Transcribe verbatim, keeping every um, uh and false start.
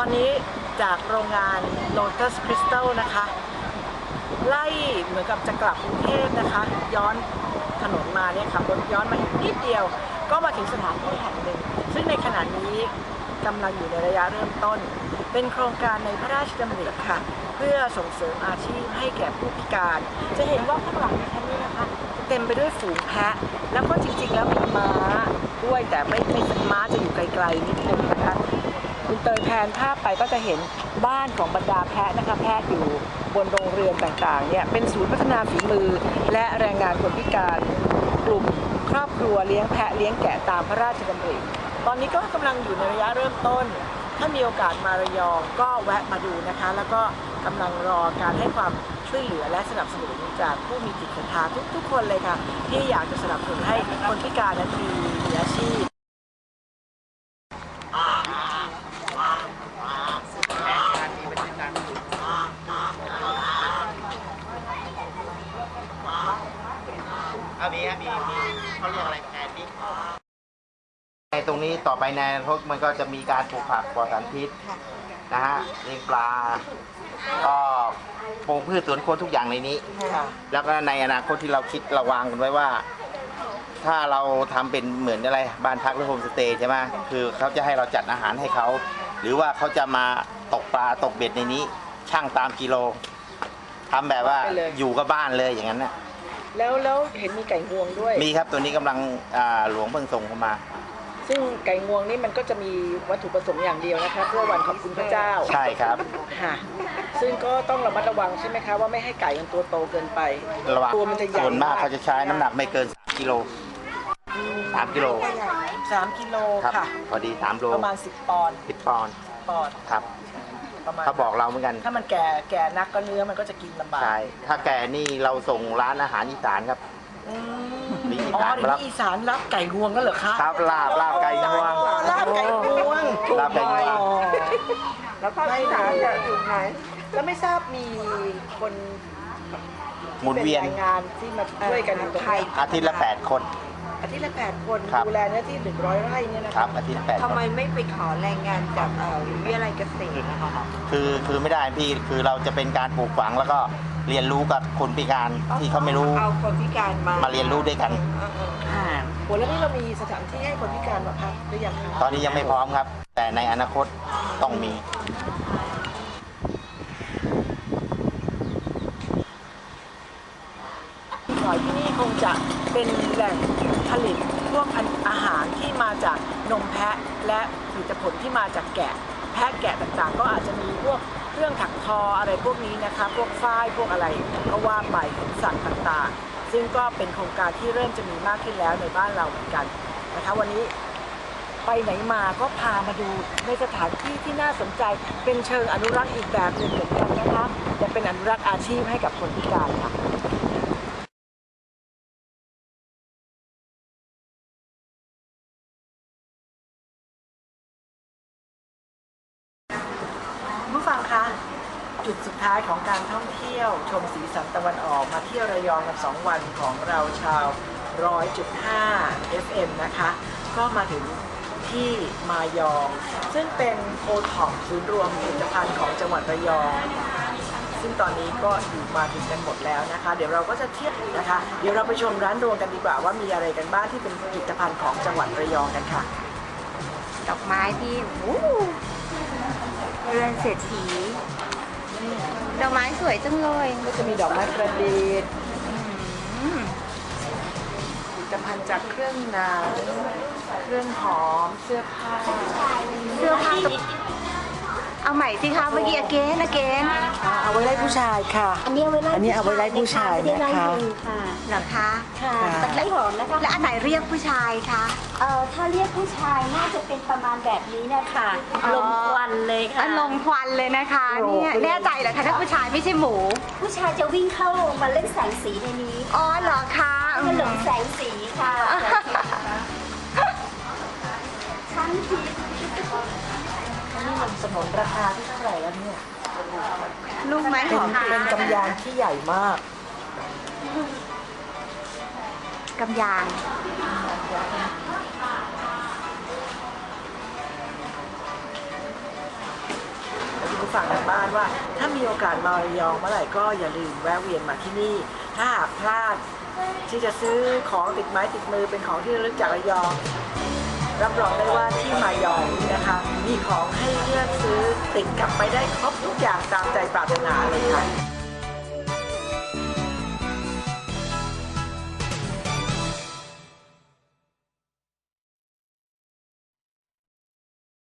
อนนี้จากโรงงาน Lotus Crystal นะคะไล่เหมือนกับจะกลับกรุงเทพนะคะย้อนถนนมาเนี่ยขับรถย้อนมาอีกนิดเดียวก็มาถึงสถานที่แห่งหนึ่งซึ่งในขณะนี้กำลังอยู่ในระยะเริ่มต้นเป็นโครงการในพระราชดำริค่ะเพื่อส่งเสริมอาชีพให้แก่ผู้พิการจะเห็นว่าข้างหลังดิฉันนี่นะคะเต็มไปด้วยฝูงแพะแล้วก็จริงๆแล้วมีม้าด้วยแต่ไม่ไม่ม้าจะอยู่ไกลๆนิดนึงนะคะคุณเตยแพนภาพไปก็จะเห็นบ้านของบรรดาแพะนะคะแพะอยู่บนโรงเรือนต่างๆเนี่ยเป็นศูนย์พัฒนาฝีมือและแรงงานคนพิการกลุ่มครอบครัวเลี้ยงแพะเลี้ยงแกะตามพระราชดำริตอนนี้ก็กำลังอยู่ในระยะเริ่มต้นถ้ามีโอกาสมาระยองก็แวะมาดูนะคะแล้วก็กำลังรอการให้ความช่วยเหลือและสนับสนุนจากผู้มีจิตศรัทธาทุกๆคนเลยค่ะที่อยากจะสนับสนุนให้คนพิการนั้นมีอาชีพเอามีมีมีเขาเรียกอะไรแทนนี่ในตรงนี้ต่อไปในอนาคตมันก็จะมีการปลูกผักปลอดสารพิษนะฮะเลี้ยงปลาก็ปลูกพืชสวนครัวทุกอย่างในนี้แล้วก็ในอนาคตที่เราคิดเราวางกันไว้ว่า ถ้าเราทำเป็นเหมือนอะไรบ้านพักหรือโฮมสเตย์ใช่ไหมคือเขาจะให้เราจัดอาหารให้เขาหรือว่าเขาจะมาตกปลาตกเบ็ดในนี้ช่างตามกิโลทำแบบว่าอยู่กับบ้านเลยอย่างนั้นนะแล้วแล้วเห็นมีไก่งวงด้วยมีครับตัวนี้กำลังหลวงเพิ่งส่งเข้ามาซึ่งไก่งวงนี่มันก็จะมีวัตถุประสงค์อย่างเดียวนะคะเพื่อวันขอบคุณพระเจ้าใช่ครับค่ะซึ่งก็ต้องระมัดระวังใช่ไหมคะว่าไม่ให้ไก่มันตัวโตเกินไประวังตัวมันจะใหญ่ส่วนมากเขาจะใช้น้ำหนักไม่เกินสามกิโลสามกิโลสามกิโลค่ะพอดีสามโลประมาณสิบปอนด์สิบปอนด์ปอนด์ครับเขาบอกเราเหมือนกันถ้ามันแก่แก่นักก็เนื้อมันก็จะกินลำบากใช่ถ้าแก่นี่เราส่งร้านอาหารอีสานครับมีอีสานรับอีสานรับไก่งวงก็เหรอคะครับลาบลาบไก่งวงลาบไก่งวงลาบไก่งวงแล้วภาคอีสานจะอยู่ไหนแล้วไม่ทราบมีคนหมุนเวียนงานที่มาช่วยกันตรงนี้อาทิตย์ละแปดคนอาทิตย์ละแปดคนดูแลเนื้อที่หนึ่งร้อยไร่เนี่ยนะครับอาทิตย์ละแปดทำไมไม่ไปขอแรงงานจากวิทยาลัยเกษตรนะคะคือคือไม่ได้พี่คือเราจะเป็นการปลูกฝังแล้วก็เรียนรู้กับคนพิการที่เขาไม่รู้เอาคนพิการมามาเรียนรู้ด้วยกันโหแล้วนี่เรามีสถานที่ให้คนพิการมาพักหรือยังคะตอนนี้ยังไม่พร้อมครับแต่ในอนาคตต้องมีที่นี่คงจะเป็นแหล่งผลิตพวกอาหารที่มาจากนมแพะและผลิตผลที่มาจากแกะแพะแกะต่างๆก็อาจจะมีพวกเครื่องถักทออะไรพวกนี้นะคะพวกฝ้ายพวกอะไรก็ว่าไปของสัตว์ต่างๆซึ่งก็เป็นโครงการที่เริ่มจะมีมากขึ้นแล้วในบ้านเราเหมือนกันนะคะวันนี้ไปไหนมาก็พามาดูในสถานที่ที่น่าสนใจเป็นเชิงอนุรักษ์อีกแบบหนึ่งเหมือนกันนะคะแต่เป็นอนุรักษ์อาชีพให้กับคนพิการค่ะผู้ฟังคะจุดสุดท้ายของการท่องเที่ยวชมสีสันตะวันออกมาเที่ยวระยองกันสองวันของเราชาว ร้อยจุดห้า เอฟ เอ็ม นะคะก็มาถึงที่มายองซึ่งเป็นโอท็อปศูนย์รวมผลิตภัณฑ์ของจังหวัดระยองซึ่งตอนนี้ก็อยู่มาถึงกันหมดแล้วนะคะเดี๋ยวเราก็จะเที่ยวนะคะเดี๋ยวเราไปชมร้านรวงกันดีกว่าว่ามีอะไรกันบ้างที่เป็นผลิตภัณฑ์ของจังหวัดระยองกันค่ะดอกไม้ที่เรือนเศรษฐีดอกไม้สวยจังเลยก็จะมีดอกไม้ประดิษฐ์ผลิตภัณฑ์จากเครื่องหนังเครื่องหอมเสื้อผ้าเสื้อผ้าเอาใหม่สิคะเมื่อกี้อเกนอเกนเอาไว้ไล่ผู้ชายค่ะอันนี้เอาไว้ไล่อันนี้เอาไว้ไล่ผู้ชายนะคะเหรอคะค่ะตะไคร้หอมนะคะและอันไหนเรียกผู้ชายคะเอ่อถ้าเรียกผู้ชายน่าจะเป็นประมาณแบบนี้นะคะลมควันเลยค่ะลมควันเลยนะคะเนี่ยแน่ใจเหรอคะถ้าผู้ชายไม่ใช่หมูผู้ชายจะวิ่งเข้ามาเล่นแสงสีในนี้อ๋อเหรอคะมันหลงแสงสีค่ะชั้นทีนี่มันสนนราคาที่เท่าไหร่แล้วเนี่ยลูกไม้หอมเป็นกำยานที่ใหญ่มากกำยานฟังทางบ้านว่า ถ้ามีโอกาสมาระยองเมื่อไหร่ก็อย่าลืมแวะเวียนมาที่นี่ ถ้าหากพลาดที่จะซื้อของติดไม้ติดมือเป็นของที่ระลึกจากระยองรับรองได้ว่าที่มายองนี่นะคะ มีของให้เลือกซื้อติดกลับไปได้ครบทุกอย่างตามใจปรารถนาเลยค่ะ